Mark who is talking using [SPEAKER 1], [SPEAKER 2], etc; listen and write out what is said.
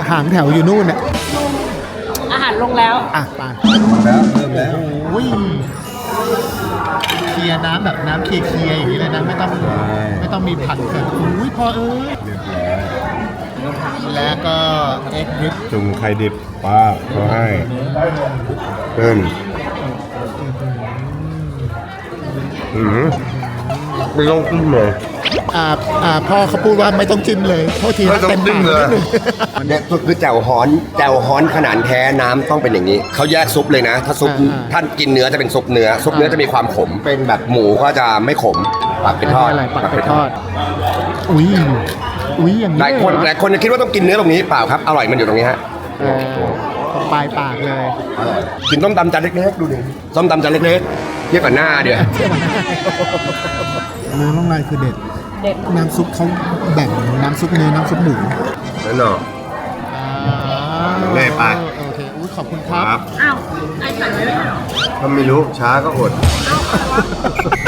[SPEAKER 1] หางแถวอยู่นู่นน่ะ
[SPEAKER 2] อาหารลงแล้ว
[SPEAKER 1] อ่ะไป
[SPEAKER 3] แล้วเริ่มแล้ว
[SPEAKER 1] โอ้ยเคลียร์น้ำแบบน้ำเคลียร์ๆอย่างนี้เลยนะไม่ต้องมีผัดเกิดอุ้ยพอเอ้ย
[SPEAKER 3] เรียบร้อย
[SPEAKER 1] แล้วก็เอ็กริป
[SPEAKER 3] จุ่มไข่ดิบป้าเขาให้เพิ่นไม่ต้องขึ้นเลย
[SPEAKER 1] พ่อเขาพูดว่าไม่ต้องจิ้มเลยโทษที
[SPEAKER 3] ไม่ต้องจิ้มเลย
[SPEAKER 4] เนี่ยคือแจ่วฮ้อนขนาดแท้น้ำต้องเป็นอย่างนี้เขาแยกซุปเลยนะ ถ้าซุปท่านกินเนื้อจะเป็นซุปเนื้อซุปเนื้อจะมีความขมเป็นแบบหมูก็จะไม่ขมปักเป็นทอด
[SPEAKER 1] อะไรปักไปทอดอุ้ยอย่างนี้
[SPEAKER 4] หลายคน
[SPEAKER 1] เลยเหรอ
[SPEAKER 4] หลายคนจะคิดว่าต้องกินเนื้อตรงนี้เปล่าครับอร่อยมันอยู่ตรงนี้ฮะ
[SPEAKER 1] ตรงปลายปากเลย
[SPEAKER 4] กินต้มตำจานเล็กๆดูดิต้มตำจานเล็กๆเทียบกับหน้าเดี๋ยว
[SPEAKER 1] น้ำลงลายคือเด็ด
[SPEAKER 2] เด็ด
[SPEAKER 1] น้ำซุปเขาแบ่งน้ำซุปเนื้อน้ำซุปหมู
[SPEAKER 4] นั่นเนาะ เล่ไป
[SPEAKER 1] โอเคอุ้ยขอบคุณครับ
[SPEAKER 2] อ้าว ไอ้ใส่ไว้ไม่ใช่เหรอ
[SPEAKER 3] ถ้าไม่รู้ช้าก็อด